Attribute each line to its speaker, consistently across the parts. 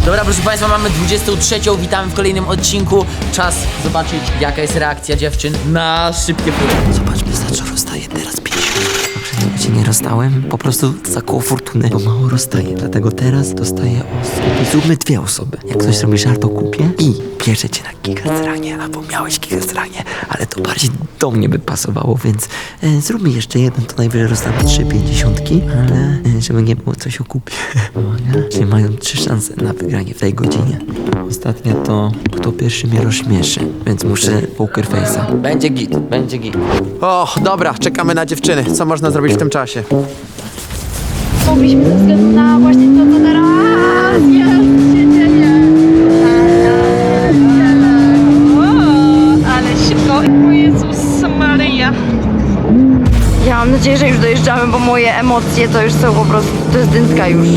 Speaker 1: Dobra, proszę Państwa, mamy 23. Witamy w kolejnym odcinku. Czas zobaczyć, jaka jest reakcja dziewczyn na szybkie próby. Zobaczmy, za co rozstaje teraz 50. Poprzednio cię nie rozstałem, po prostu za koło fortuny. Bo mało rozstaje, dlatego teraz dostaję osób. I zróbmy 2 osoby. Jak ktoś robi żart o kupie i bierze cię na gigastranie, albo miałeś gigastranie, ale to bardziej do mnie by pasowało, więc zróbmy jeszcze jeden, to najwyżej rozstamy 3,50, ale żeby nie było coś o kupie. Czyli mają 3 szanse na wygranie w tej godzinie. Ostatnia to kto pierwszy mnie rozśmieszy, więc muszę poker face'a. Będzie git, będzie git.
Speaker 2: O, dobra, czekamy na dziewczyny. Co można zrobić w tym czasie?
Speaker 3: Mogliśmy ze względu na właśnie to, co teraz się dzieje. Ale szybko. O Jezus Maryja. Ja mam nadzieję, że już dojeżdżamy, bo moje emocje to już są po prostu, to jest dętka już.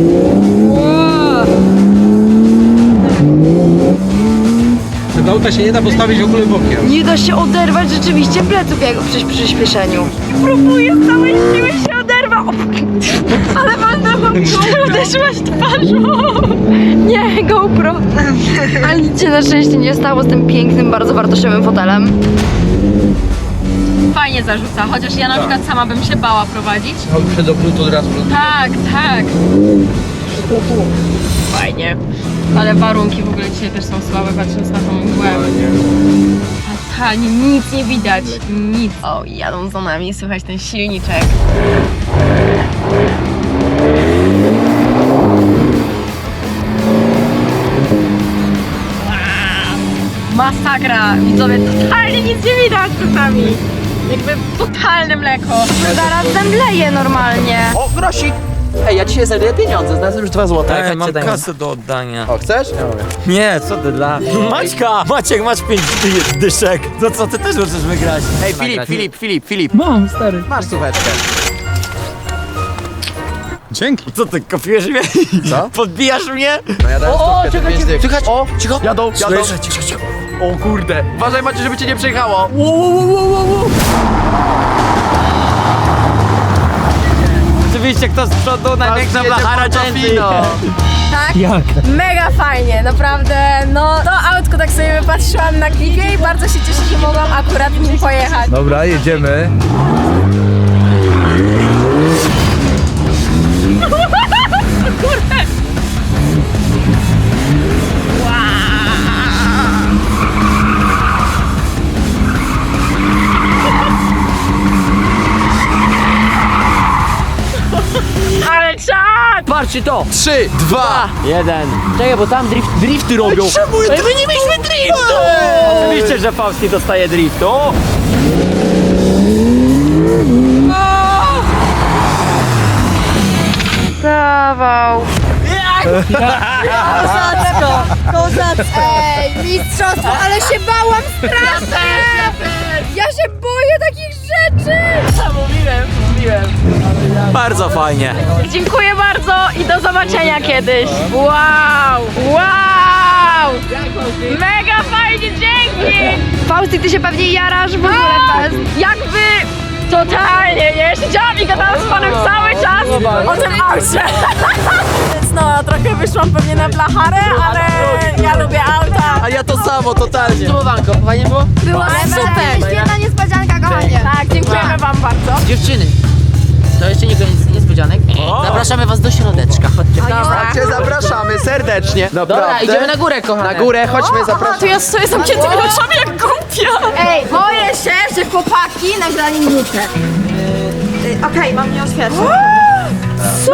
Speaker 4: Tego auta się nie da postawić w ogóle bokiem.
Speaker 3: Nie da się oderwać rzeczywiście pleców jak przy przyspieszeniu. Próbuję z całej siły się oderwać. Ale walnęłam GoPro, uderzyłaś twarzą. Nie, GoPro. Ale nic się na szczęście nie stało z tym pięknym, bardzo wartościowym fotelem.
Speaker 5: Fajnie zarzuca, chociaż ja na przykład sama bym się bała prowadzić.
Speaker 4: Przed obrót od razu.
Speaker 5: Tak, tak. Fajnie. Ale warunki w ogóle dzisiaj też są słabe, patrząc na tą mgłę. Totalnie nic nie widać, nic. O, jadą za nami, słychać ten silniczek. Masakra, widzowie, totalnie nic nie widać czasami. Jakby totalne mleko.
Speaker 3: Zaraz zemdleję normalnie.
Speaker 2: O, grosik! Ej, ja dzisiaj znajduję pieniądze, znalazłem już 2 złote.
Speaker 1: Ej, mam
Speaker 2: daj.
Speaker 1: kasę do oddania.
Speaker 2: O, chcesz? Ja mówię.
Speaker 1: Nie, co ty dla... Maćka! Maciek, masz 5 dyszek. No co, ty też możesz wygrać.
Speaker 2: Ej, Filip. Mam, stary. Masz słucheczkę.
Speaker 4: Dzięki.
Speaker 1: Co ty, kopiujesz mnie?
Speaker 2: Co?
Speaker 1: Podbijasz mnie?
Speaker 2: No ja dałem stówkę, ty 5 dych.
Speaker 1: Słychać?
Speaker 2: O, cicho. Jadą.
Speaker 1: Cicho.
Speaker 2: O kurde. Uważaj, Macie, żeby cię nie przejechało.
Speaker 1: Oczywiście kto z przodu, największa blachara Jensi.
Speaker 6: Tak? Jak? Mega fajnie, naprawdę. No to autko tak sobie wypatrzyłam na klipie i bardzo się cieszę, że mogłam akurat nim pojechać.
Speaker 4: Dobra, jedziemy.
Speaker 5: Ale czad!
Speaker 1: Patrzcie to!
Speaker 2: 3, 2.
Speaker 1: 1. Czekaj, bo tam drifty robią. Ej, my nie mieliśmy driftu! Oczywiście, że Fausti dostaje driftu.
Speaker 3: Dawał.
Speaker 6: Kozacko! Ej, mistrzostwo, ale się bałam strasznie! Ja się boję takich rzeczy!
Speaker 1: Mówiłem. Bardzo fajnie.
Speaker 5: Dziękuję bardzo i do zobaczenia kiedyś. Wow! Wow! Mega fajnie, dzięki!
Speaker 3: Fausti, ty się pewnie jarasz w ogóle fest.
Speaker 5: Jakby totalnie, nie? Siedziałam i gadałam z panem cały czas o tym aucie.
Speaker 6: Więc no, trochę wyszłam pewnie na blacharę, ale ja lubię auta.
Speaker 2: A ja to samo, totalnie.
Speaker 1: Sumowanko, fajnie było?
Speaker 6: Było super! Świetna niespodzianka, kochanie. Tak, dziękujemy wam bardzo.
Speaker 1: Dziewczyny, to jeszcze nie koniec niespodzianek. Zapraszamy was do środeczka. Chodźcie.
Speaker 2: Cię zapraszamy serdecznie.
Speaker 1: Dobra, idziemy na górę, kochane.
Speaker 2: Na górę, chodźmy, zapraszamy.
Speaker 6: To ja stoję zamkniętymi oczami jak głupia. Ej, boję się, że chłopaki nagrali minutę. Okej, mam nie oświetlić. Co?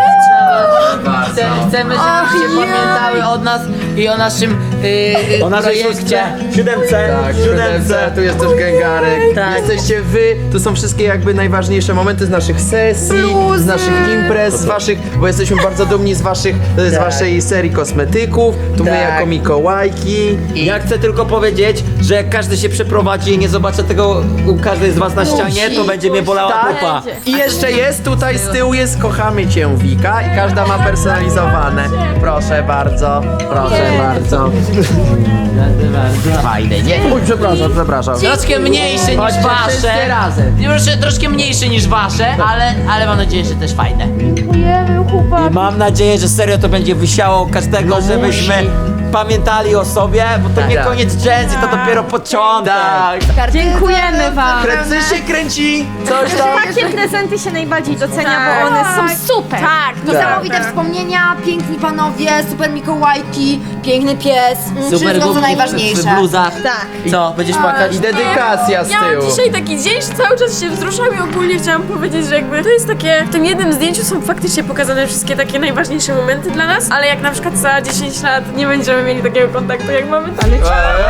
Speaker 1: Chcemy, żebyście pamiętały od nas i o naszym projekcie.
Speaker 4: Siódemce.
Speaker 2: Tak, siódemce, tu jest też gęgarek.
Speaker 1: Tak.
Speaker 2: Jesteście wy, to są wszystkie jakby najważniejsze momenty z naszych sesji, z naszych imprez, z waszych, bo jesteśmy bardzo dumni z waszych, z waszej serii kosmetyków. Tu my
Speaker 1: Tak.
Speaker 2: jako Mikołajki.
Speaker 7: Ja chcę tylko powiedzieć, że jak każdy się przeprowadzi i nie zobaczę tego u każdej z was na ścianie, to będzie mnie bolała dupa.
Speaker 2: I jeszcze jest tutaj z tyłu jest Kochamy Cię Wika i każda ma personalizowane. Proszę bardzo, proszę bardzo.
Speaker 1: Fajne, nie?
Speaker 2: Oj, przepraszam.
Speaker 1: Troszkę mniejsze niż
Speaker 2: Chodźcie wszyscy
Speaker 1: wasze.
Speaker 2: razem.
Speaker 1: Troszkę mniejsze niż wasze, ale mam nadzieję, że też fajne.
Speaker 7: I mam nadzieję, że serio to będzie wysiało każdego,
Speaker 1: No
Speaker 7: żebyśmy pamiętali o sobie, bo to nie
Speaker 2: Tak.
Speaker 7: koniec Gen Z, to dopiero początek.
Speaker 2: Tak.
Speaker 3: Dziękujemy wam.
Speaker 2: Kręcy się kręci. Coś tam.
Speaker 3: Takie prezenty się najbardziej docenia, bo one są super.
Speaker 6: Tak, niesamowite wspomnienia, piękni panowie, super Mikołajki, piękny pies, wszystko co
Speaker 1: głupki
Speaker 6: najważniejsze.
Speaker 1: w bluzach.
Speaker 3: Tak.
Speaker 1: Co, będziesz płakać?
Speaker 2: I dedykacja z
Speaker 8: Miałam
Speaker 2: tyłu.
Speaker 8: dzisiaj taki dzień, że cały czas się wzruszam i ogólnie chciałam powiedzieć, że jakby to jest takie, w tym jednym zdjęciu są faktycznie pokazane wszystkie takie najważniejsze momenty dla nas, ale jak na przykład za 10 lat nie będziemy mieli takiego kontaktu jak mamy teraz.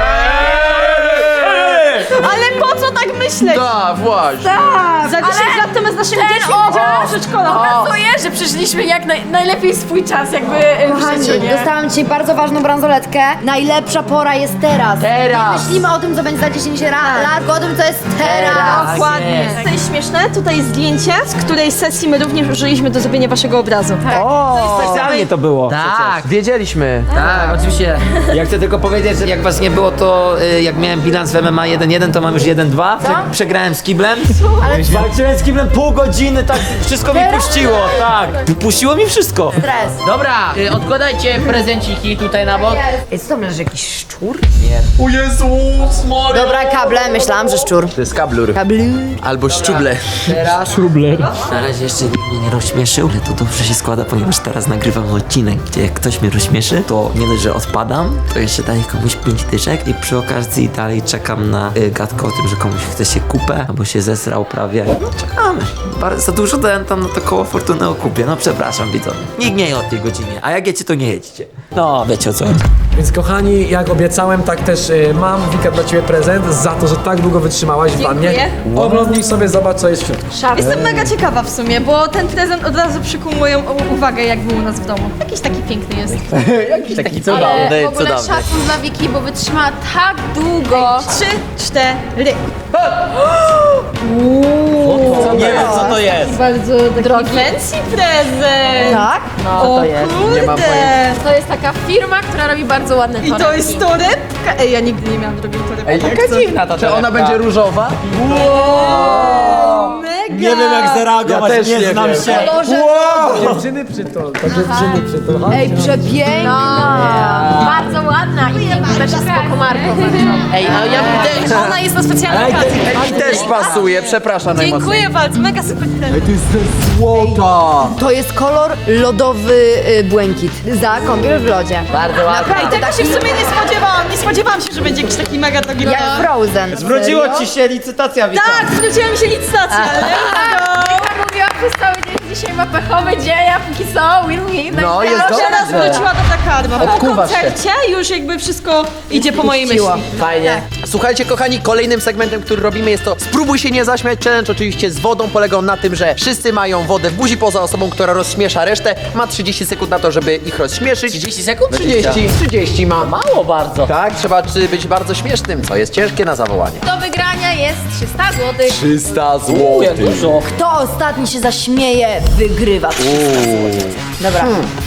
Speaker 3: Ale po co tak myśleć?
Speaker 2: Tak, właśnie.
Speaker 3: Za 10 lat to my z naszymi dziećmi będziemy w przedszkolu.
Speaker 8: Pokazuje, że przeżyliśmy jak najlepiej swój czas jakby w
Speaker 6: Kochani,
Speaker 8: życiu, nie?
Speaker 6: dostałam dzisiaj bardzo ważną bransoletkę. Najlepsza pora jest teraz.
Speaker 2: Teraz.
Speaker 6: Nie myślimy o tym, co będzie za 10 lat, tylko o tym, co jest teraz.
Speaker 3: Dokładnie. To jest śmieszne. Tutaj jest zdjęcie, z której sesji my również użyliśmy do zrobienia waszego obrazu.
Speaker 7: Specjalnie to było.
Speaker 1: Tak,
Speaker 2: Wiedzieliśmy.
Speaker 1: tak, oczywiście.
Speaker 7: Ja chcę tylko powiedzieć, że jak was nie było, to jak miałem bilans w MMA 1-1, to mam już 1-2. Przegrałem z kiblem. Walczyłem z kiblem pół godziny, tak wszystko mi puściło, tak. Puściło mi wszystko.
Speaker 6: Stres.
Speaker 1: Dobra, odkładajcie prezenciki tutaj na bok.
Speaker 6: Ej, co tam leży, jakiś szczur?
Speaker 2: O Jezus Maria.
Speaker 6: Dobra, kable, myślałam, że szczur.
Speaker 2: To jest kablur.
Speaker 6: Kablu.
Speaker 2: Albo szczuble.
Speaker 1: Teraz.
Speaker 7: Na razie jeszcze nikt mnie nie rozśmieszył, ale to dobrze się składa, ponieważ teraz nagrywam odcinek, gdzie jak ktoś mnie rozśmieszy, to nie dość, że odpadam, to jeszcze daję komuś 5 dyszek i przy okazji dalej czekam na gadkę o tym, że komuś chce się kupę, albo się zesrał prawie. No czekamy. Za dużo dałem tam na to koło fortuny o kupie, no przepraszam widzowie. Nikt nie je o tej godzinie, a jak jecie, to nie jedźcie. No, wiecie o co chodzi.
Speaker 4: Więc kochani, jak obiecałem, tak też mam, Wika, dla ciebie prezent za to, że tak długo wytrzymałaś w wannie. Oglądnij sobie, zobacz, co jest w środku.
Speaker 3: Jestem mega ciekawa w sumie, bo ten prezent od razu przykuł moją uwagę, jak był u nas w domu. Jakiś taki piękny jest.
Speaker 2: Taki
Speaker 5: Ale w ogóle
Speaker 2: cudowny.
Speaker 5: szacun dla Wiki, bo wytrzymała tak długo.
Speaker 3: 3, 4.
Speaker 7: Nie wiem, co to jest.
Speaker 3: Bardzo drogi. Fancy prezent.
Speaker 6: Tak?
Speaker 3: O
Speaker 2: Nie mam
Speaker 3: kurde.
Speaker 5: To jest taka firma, która robi bardzo ładne
Speaker 3: I to
Speaker 5: torebki.
Speaker 3: jest torebka. Ej, ja nigdy nie miałam drogiej torebki.
Speaker 2: Jaka dziwna ta Czy ona będzie różowa?
Speaker 3: Mega.
Speaker 7: Nie wiem jak zareagować,
Speaker 2: Ja też nie
Speaker 7: znam
Speaker 2: wiem.
Speaker 7: się.
Speaker 4: Dziewczyny przytul, to dziewczyny przytul.
Speaker 6: Ej, przepiękna.
Speaker 5: Bardzo ładna i też jest spoko marką.
Speaker 1: Ej, no ja bym też...
Speaker 3: Ona jest na specjalnej okazji.
Speaker 2: I też pasuje, przepraszam najmocniej.
Speaker 3: Dziękuję bardzo, mega super prezent.
Speaker 2: Złota.
Speaker 6: To jest kolor lodowy błękit. Za kąpiel w lodzie.
Speaker 1: Bardzo ładna.
Speaker 3: Ej, tego się w sumie nie spodziewałam. Nie spodziewałam się, że będzie jakiś taki mega drogi
Speaker 6: Jak
Speaker 3: prezent.
Speaker 6: Frozen.
Speaker 7: Zwróciło ci się licytacja, Wika.
Speaker 3: Tak, zwróciła mi się licytacja, ale
Speaker 5: Wika mówiła przez cały dzień, że dzisiaj ma pechowy dzień, a póki co win-win.
Speaker 2: No, jest
Speaker 3: teraz
Speaker 2: dobrze.
Speaker 3: wróciła do Dakarma. Po
Speaker 2: Odkuwasz się.
Speaker 3: koncercie już jakby wszystko idzie po mojej myśli.
Speaker 1: Fajnie.
Speaker 2: Słuchajcie kochani, kolejnym segmentem, który robimy jest to Spróbuj się nie zaśmiać challenge, oczywiście z wodą. Polega on na tym, że wszyscy mają wodę w buzi poza osobą, która rozśmiesza resztę. Ma 30 sekund na to, żeby ich rozśmieszyć.
Speaker 1: 30 sekund?
Speaker 2: 30 ma.
Speaker 1: Mało bardzo.
Speaker 2: Tak, trzeba być bardzo śmiesznym, co jest ciężkie na zawołanie.
Speaker 5: Do wygrania jest 300 zł.
Speaker 2: 300 zł.
Speaker 1: Dużo.
Speaker 6: Kto ostatni się zaśmieje, wygrywa 300 zł. Dobra.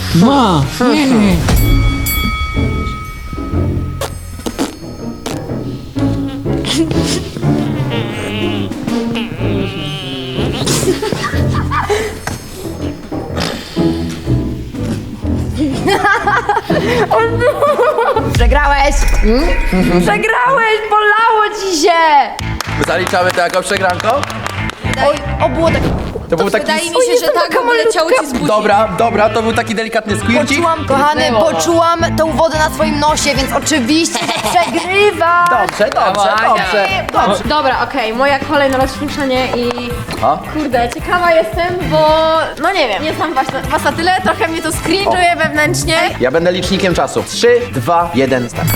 Speaker 6: Przegrałeś! Przegrałeś! Bolało ci się!
Speaker 2: Zaliczamy to jako przegranką?
Speaker 6: Oj, o było tak...
Speaker 2: To był taki...
Speaker 5: Wydaje mi się, że tak wyleciało ci z buzi.
Speaker 2: Dobra, to był taki delikatny squircik.
Speaker 6: Poczułam, kochany, poczułam tą wodę na swoim nosie, więc oczywiście przegrywa!
Speaker 2: Dobrze.
Speaker 5: Dobra, okej, moja kolej na rozśmieszanie i...
Speaker 2: A?
Speaker 5: Kurde, ciekawa jestem, bo... No nie wiem, nie znam was na tyle, trochę mnie to cringe'uje wewnętrznie.
Speaker 2: Ja będę licznikiem czasu. 3, 2, 1, start.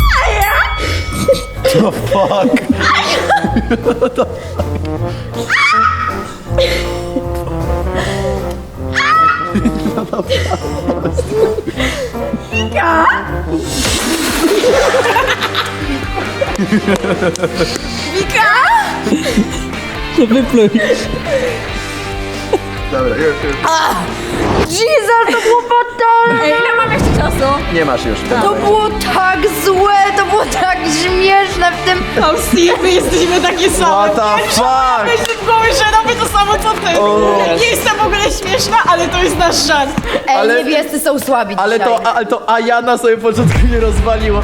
Speaker 2: Dobra, już.
Speaker 3: Jezus, to było fatalne!
Speaker 8: Ej, ile mam jeszcze czasu?
Speaker 2: Nie masz już.
Speaker 3: To było tak złe, to było tak śmieszne w tym...
Speaker 8: No Steve, my jesteśmy takie same.
Speaker 2: What the fuck?
Speaker 8: Myślę w głowie, że robię to samo co ty. Nie jestem w ogóle śmieszna, ale to jest nasz żart.
Speaker 3: Ej,
Speaker 2: Ale-
Speaker 3: niebiescy są słabi
Speaker 2: Ale
Speaker 3: dzisiaj.
Speaker 2: to Ajana sobie początku nie rozwaliło.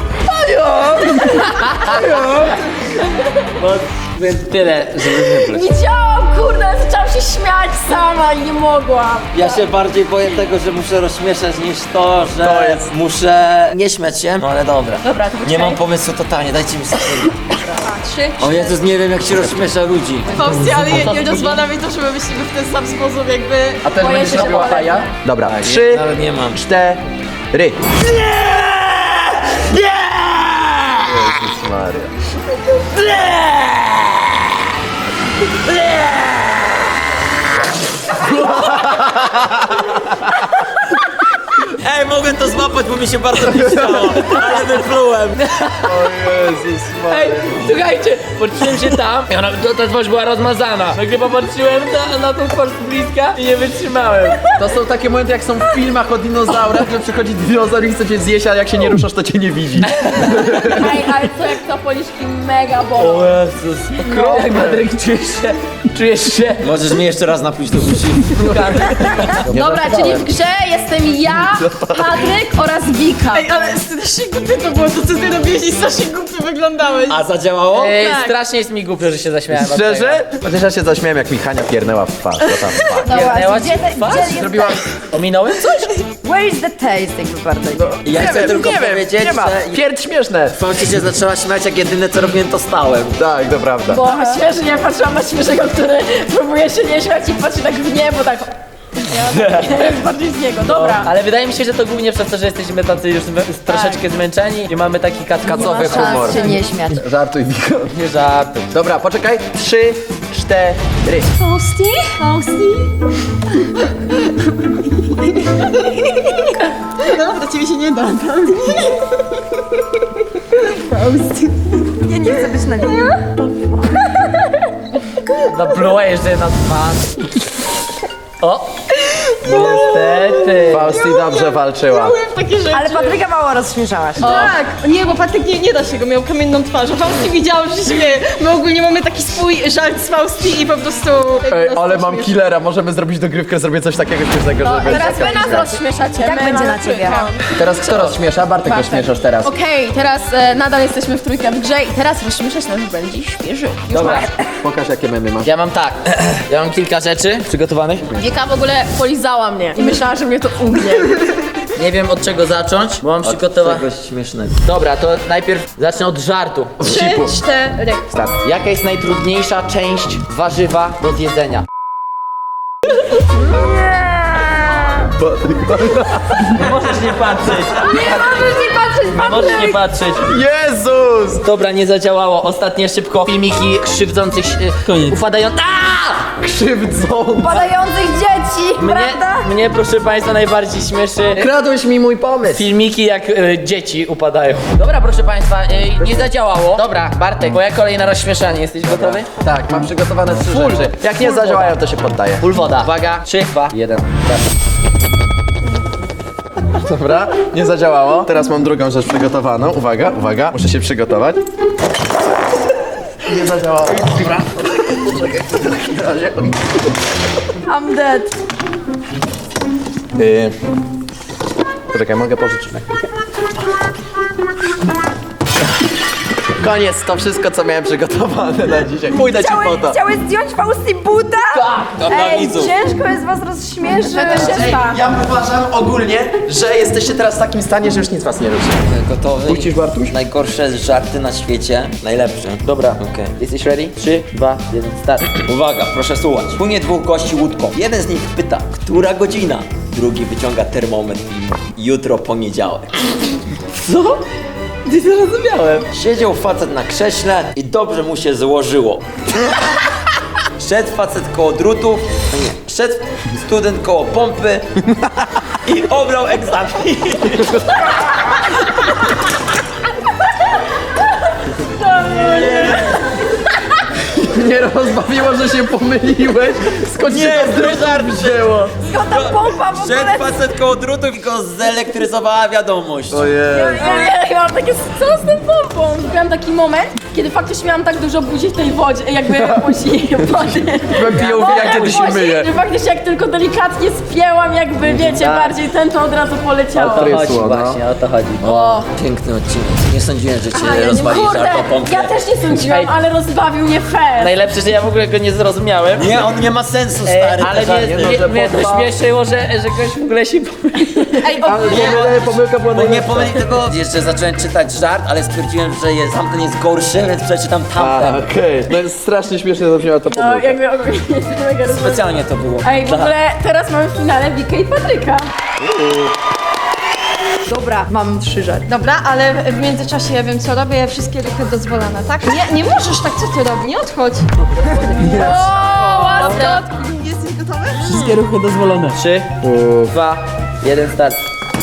Speaker 1: Więc tyle, żeby wybrać.
Speaker 8: Widziałam, kurde, zaczęłam się śmiać sama i nie mogłam.
Speaker 7: Ja się bardziej boję tego, że muszę rozśmieszać niż to, że
Speaker 2: To jest-
Speaker 7: muszę nie śmiać się. No ale dobra.
Speaker 8: Dobra, to
Speaker 7: Nie
Speaker 8: poczekaj.
Speaker 7: mam pomysłu totalnie, dajcie mi sekundę.
Speaker 8: 3.
Speaker 7: O Jezus, nie wiem jak się rozśmiesza ludzi.
Speaker 8: Fausty, ale nie dozwala mi to, że my myślimy w ten sam sposób, jakby...
Speaker 2: A też
Speaker 8: Boję
Speaker 2: będziesz
Speaker 8: się, że
Speaker 2: robiła
Speaker 8: powiem.
Speaker 2: Aja? Dobra, 3,
Speaker 7: Nawet nie mam.
Speaker 2: 4. Jezus Maria.
Speaker 7: Ej, mogę to złapać, bo mi się bardzo nie chciało, ale wyplułem.
Speaker 2: O Jezus Maria.
Speaker 1: Ej, słuchajcie, patrzyłem się tam i ta twarz była rozmazana. Nagle popatrzyłem na tą twarz z bliska i nie wytrzymałem.
Speaker 2: To są takie momenty, jak są w filmach o dinozaurach, że przychodzi dinozaur i chce cię zjeść, a jak się nie ruszasz, to cię nie widzi.
Speaker 8: Ej, ale co jak to policzki mega bolą.
Speaker 7: Jezus.
Speaker 1: Jak Patryk, czujesz się
Speaker 7: Możesz mnie jeszcze raz napluć do uszy.
Speaker 3: Dobra, czyli w grze jestem ja, Patryk oraz Wika.
Speaker 8: Ej, ale strasznie głupie to było, to co ty robiłeś i strasznie głupio wyglądałeś.
Speaker 7: A zadziałało?
Speaker 1: Ej,
Speaker 8: Tak.
Speaker 1: strasznie jest mi głupio, że się zaśmiałem. od
Speaker 2: Szczerze? Chociaż ja się zaśmiałem, jak mi Hania piernęła w twarz. To tam fakt.
Speaker 3: Dobra,
Speaker 1: pierdnęła
Speaker 3: gdzie,
Speaker 1: ci w twarz?
Speaker 3: gdzie jest
Speaker 2: Zrobiła...
Speaker 1: tego. Ominąłem coś?
Speaker 3: Where is the taste, jakby bardziej.
Speaker 7: Ja chcę tylko powiedzieć,
Speaker 2: nie ma.
Speaker 7: że
Speaker 2: Pierd śmieszne.
Speaker 7: Fauci się zaczęła śmiać, jak jedyne co robiłem to stałem.
Speaker 2: Tak, to prawda.
Speaker 8: Bo śmiesznie, ja patrzyłam na śmiesznego, który próbuje się nie śmiać i patrzy tak w niebo, tak... Ja bardziej z niego, dobra.
Speaker 1: Ale wydaje mi się, że to głównie przez to, że jesteśmy tacy już troszeczkę zmęczeni i mamy taki
Speaker 2: Kacowy
Speaker 3: Nie ma
Speaker 2: humor.
Speaker 3: szans się nie śmiać.
Speaker 2: Żartuj, Wiko.
Speaker 1: Nie żartuj.
Speaker 2: Dobra, poczekaj. 3, 4.
Speaker 8: Fausty? Fausty? Dobra, ciebie się nie da.
Speaker 3: Ja nie chcę być na nim.
Speaker 1: Napluła jeszcze na twarz. O! Niestety.
Speaker 2: Fausti dobrze walczyła.
Speaker 8: Takie rzeczy.
Speaker 3: Ale Patryka mało rozśmieszałaś.
Speaker 8: Tak, nie, bo Patryk nie da się go, miał kamienną twarz, a Fausty widziałam, że się śmieje. My ogólnie mamy taki swój żart z Fausty i po prostu...
Speaker 2: Ej, ale mam killera, możemy zrobić dogrywkę, zrobię coś takiego śmiesznego, żeby...
Speaker 8: Teraz wy nas rozśmieszacie.
Speaker 3: Tak
Speaker 8: my
Speaker 3: będzie
Speaker 8: mamy
Speaker 3: na ciebie.
Speaker 8: trójkę.
Speaker 2: Teraz kto rozśmiesza? Bartek rozśmieszasz teraz.
Speaker 8: Okej, teraz nadal jesteśmy w trójkę w grze i teraz rozśmieszać nas będzie świeży.
Speaker 1: Dobra,
Speaker 2: Pokaż, jakie memy masz.
Speaker 1: ja mam tak. Ja mam kilka rzeczy przygotowanych.
Speaker 8: Wika w ogóle polizała mnie i myślała, że mnie to ugnie.
Speaker 1: Nie wiem od czego zacząć, bo mam przygotowane.
Speaker 7: Czegoś śmiesznego.
Speaker 1: Dobra, to najpierw zacznę od żartu.
Speaker 8: 3, 4.
Speaker 2: Start.
Speaker 1: Jaka jest najtrudniejsza część warzywa do zjedzenia? Możesz nie patrzeć. Możesz nie patrzeć.
Speaker 2: Jezus!
Speaker 1: Dobra, nie zadziałało. Ostatnie szybko filmiki krzywdzących ufadających.
Speaker 2: Krzywdzą.
Speaker 3: Padających dzieci, prawda?
Speaker 1: Mnie, proszę państwa, najbardziej śmieszy
Speaker 2: Kradłeś mi mój pomysł.
Speaker 1: filmiki, jak dzieci upadają. Dobra, proszę państwa, nie zadziałało. Dobra, Bartek, moja kolej na rozśmieszanie. Jesteś gotowy?
Speaker 2: Tak, mam przygotowane 3 rzeczy. Jak nie zadziałają, to się poddaję.
Speaker 1: Full woda. Uwaga, 3, 2, 1.
Speaker 2: Dobra, nie zadziałało. Teraz mam drugą rzecz przygotowaną. Uwaga, uwaga, muszę się przygotować. Nie zadziałało. Dobra. Czekaj, w razie.
Speaker 3: I'm dead.
Speaker 2: Poczekaj, mogę pożyczyć na chwilkę. Koniec, to wszystko, co miałem przygotowane na dzisiaj. Pójdę ci po to.
Speaker 3: Chciałeś zdjąć Fausty buta?
Speaker 7: Tak,
Speaker 3: Ej, ciężko jest was rozśmieszyć.
Speaker 2: Ja uważam ogólnie, że jesteście teraz w takim stanie, że już nic was nie ruszy.
Speaker 7: Gotowy?
Speaker 2: Puścisz, Bartuś?
Speaker 7: Najgorsze żarty na świecie, najlepsze.
Speaker 1: Dobra,
Speaker 7: Okej.
Speaker 1: jesteś ready? 3, 2, 1, start.
Speaker 7: Uwaga, proszę słuchać. Płynie dwóch gości łódką. Jeden z nich pyta, która godzina? Drugi wyciąga termometr i mówi, jutro poniedziałek.
Speaker 1: Co? Nie zrozumiałem.
Speaker 7: Siedział facet na krześle i dobrze mu się złożyło. Szedł facet koło drutów, no nie, szedł student koło pompy i obrał egzamin.
Speaker 2: mnie rozbawiło, że się pomyliłeś. Skąd się to drutów wzięło?
Speaker 6: Skąd ta pompa w ogóle?
Speaker 7: Szedł facet koło drutów i go zelektryzowała wiadomość.
Speaker 2: Ojej.
Speaker 8: Ja mam takie, co z tym pompą? Miałam taki moment, kiedy faktycznie miałam tak dużo buzi w tej wodzie, jakby buzi, wody.
Speaker 2: Piją jak kiedy się myje.
Speaker 8: Że faktycznie jak tylko delikatnie spięłam, jakby wiecie, bardziej ten to od razu poleciało.
Speaker 2: To jest słono.
Speaker 7: o to chodzi. O, piękny odcinek. Nie sądziłem, że cię rozwali
Speaker 8: Kurde,
Speaker 7: żart o pompie.
Speaker 8: ja też nie sądziłam, ale rozbawił mnie fair.
Speaker 1: Najlepsze, że ja w ogóle go nie zrozumiałem.
Speaker 7: Nie, on nie ma sensu, stary.
Speaker 1: Ale mnie to śmieszyło, że ktoś w ogóle się
Speaker 8: Ej,
Speaker 2: Pomyłka była
Speaker 7: Bo nie pomyli tego. Jeszcze zacząłem czytać żart, ale stwierdziłem, że tamten jest gorszy, więc przeczytam tamten.
Speaker 2: Okej. No jest strasznie śmiesznie zabrzmiała ta
Speaker 8: no,
Speaker 2: pomyłka.
Speaker 8: jakby ogólnie jestem mega rozbawiona.
Speaker 7: Specjalnie to było.
Speaker 8: Ej, w ogóle teraz mamy w finale Wikę i Patryka.
Speaker 6: Dobra, mam 3 żarty.
Speaker 3: Dobra, ale w międzyczasie ja wiem co robię, wszystkie ruchy dozwolone, tak? Nie możesz tak, co ty robisz, nie odchodź.
Speaker 6: Jesteś gotowy?
Speaker 1: Wszystkie ruchy dozwolone. 3, 2, 1, start.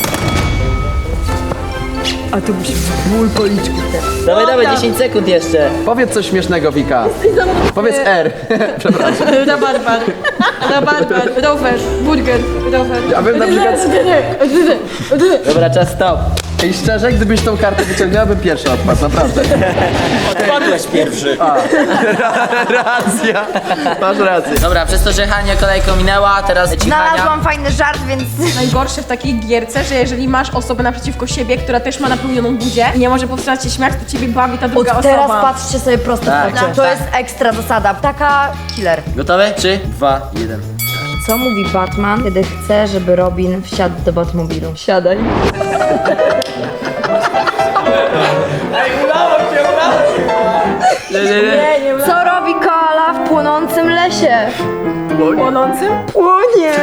Speaker 6: A to musi być ból policzku.
Speaker 1: Dawaj, 10 sekund jeszcze.
Speaker 2: Powiedz coś śmiesznego, Wika. Powiedz R. Przepraszam.
Speaker 3: Rabarbar, rower, burger, rower.
Speaker 2: Ja bym na przykład...
Speaker 1: Dobra, czas stop.
Speaker 2: I szczerze, gdybyś tą kartę wyciągnęła, bym pierwszy odpadł, naprawdę.
Speaker 7: Odpadłeś pierwszy.
Speaker 2: Racja. Masz rację.
Speaker 1: Dobra, przez to, że Hania kolejką minęła, teraz ci Hania.
Speaker 6: Znalazłam fajny żart, więc...
Speaker 8: Najgorsze w takiej gierce, że jeżeli masz osobę naprzeciwko siebie, która też ma napełnioną buzię i nie może powstrzymać się śmiać, to ciebie bawi ta druga
Speaker 6: Od
Speaker 8: osoba.
Speaker 6: teraz patrzcie sobie prosto
Speaker 1: Tak,
Speaker 6: w oczy.
Speaker 1: tak,
Speaker 6: To
Speaker 1: tak.
Speaker 6: jest ekstra zasada. Taka killer.
Speaker 1: Gotowy? 3, 2, 1.
Speaker 6: Co mówi Batman, kiedy chce, żeby Robin wsiadł do Batmobilu? Siadaj. Co robi koala w płonącym lesie?
Speaker 8: Płonącym?
Speaker 6: Płonie.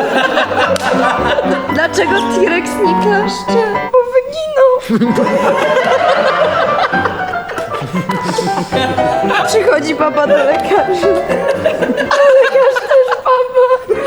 Speaker 6: Dlaczego T-Rex nie klaszcze? Bo wyginął. Przychodzi baba do lekarza. A lekarz też baba.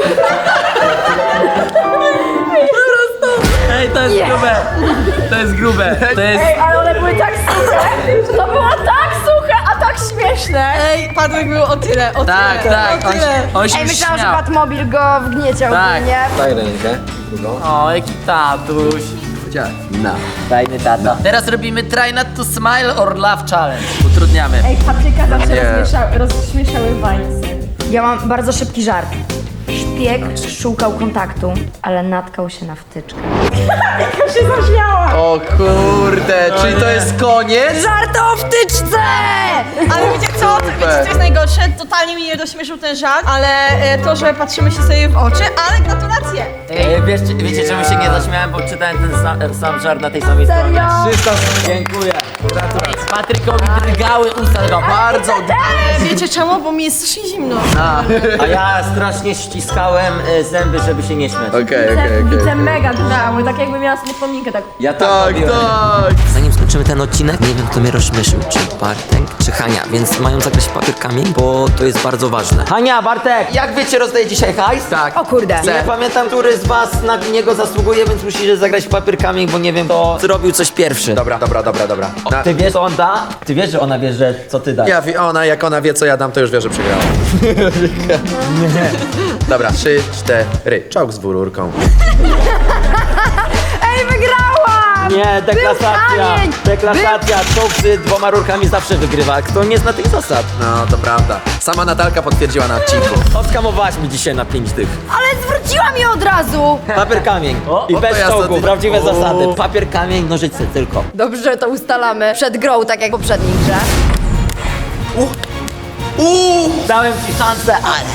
Speaker 1: Ej, to jest grube. To jest grube. To jest...
Speaker 8: Ej, ale one były tak suche. To było tak suche, a tak śmieszne.
Speaker 3: Ej, Patryk był o tyle, o
Speaker 1: Tak,
Speaker 3: tyle.
Speaker 1: tak. On się
Speaker 6: Ej, myślałam, że
Speaker 1: śmiał.
Speaker 6: Batmobil go wgnieciał
Speaker 1: Tak.
Speaker 6: ogólnie.
Speaker 2: Daj rękę. Drugą.
Speaker 1: O, jaki tatuś.
Speaker 2: Powiedziałem. Na.
Speaker 1: Fajny tata. Teraz robimy try not to smile or laugh challenge. Utrudniamy.
Speaker 8: Ej, Patryka zawsze
Speaker 2: Nie.
Speaker 8: rozśmieszały Vinesy.
Speaker 6: Ja mam bardzo szybki żart. Szpieg szukał kontaktu, ale natkał się na wtyczkę.
Speaker 8: Ja się zaśmiała.
Speaker 2: O kurde, czyli to jest koniec?
Speaker 6: Żart o wtyczce!
Speaker 3: Ale wiecie co? Wiecie co jest najgorsze? Totalnie mnie nie rozśmieszył ten żart, ale to, że patrzymy się sobie w oczy, ale gratulacje.
Speaker 1: Wiecie czemu się nie zaśmiałem? Bo czytałem ten sam żart na tej samej stronie.
Speaker 2: 300.
Speaker 1: Dziękuję. Gratulacje. Patrykowi drgały usta.
Speaker 2: Bardzo.
Speaker 3: Wiecie czemu? Bo mi jest strasznie zimno.
Speaker 7: A ja strasznie ściskałem zęby, żeby się nie śmiać.
Speaker 2: Okej.
Speaker 8: Widzę mega drżały, tak jakby miała smutnominkę tak.
Speaker 7: Ja
Speaker 2: Tak,
Speaker 7: robiłem.
Speaker 2: tak.
Speaker 7: Zanim skończymy ten odcinek, nie wiem kto mnie rozśmieszył, czy Bartek, czy Hania, więc mają zagrać papierkami, bo to jest bardzo ważne. Hania, Bartek, jak wiecie, rozdaję dzisiaj hajs?
Speaker 2: Tak.
Speaker 6: O kurde.
Speaker 7: Nie pamiętam, który z was na niego zasługuje, więc musicie zagrać papierkami, bo nie wiem, kto zrobił coś pierwszy.
Speaker 2: Dobra. Na,
Speaker 7: Ty wiesz, co on da? Ty wiesz, że ona wie, że co ty dasz.
Speaker 2: jak ona wie, co ja dam, to już wie, że przegrała. Dobra, 3, 4. Czołg z dwururką.
Speaker 6: Ej, wygrałam!
Speaker 7: Nie, deklasacja.
Speaker 6: kamień!
Speaker 7: Deklasacja. Czołg z 2 rurkami zawsze wygrywa. Kto nie zna tych zasad?
Speaker 2: No, to prawda. Sama Natalka potwierdziła na odcinku.
Speaker 7: Odskamowałaś mi dzisiaj na 5 dych.
Speaker 6: Ale zwróciłam je od razu!
Speaker 7: Papier, kamień. I
Speaker 2: to
Speaker 7: bez
Speaker 2: ja
Speaker 7: czołgu,
Speaker 2: sobie-
Speaker 7: prawdziwe
Speaker 2: O.
Speaker 7: zasady. Papier, kamień, nożyce tylko.
Speaker 6: Dobrze, to ustalamy przed grą, tak jak w poprzedniej grze.
Speaker 7: Dałem ci szansę, ale...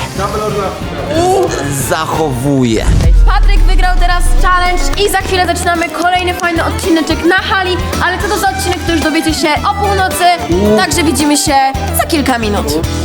Speaker 7: Zachowuję.
Speaker 8: Patryk wygrał teraz challenge i za chwilę zaczynamy kolejny fajny odcineczek na hali, ale co to za odcinek, to już dowiecie się o północy, także widzimy się za kilka minut.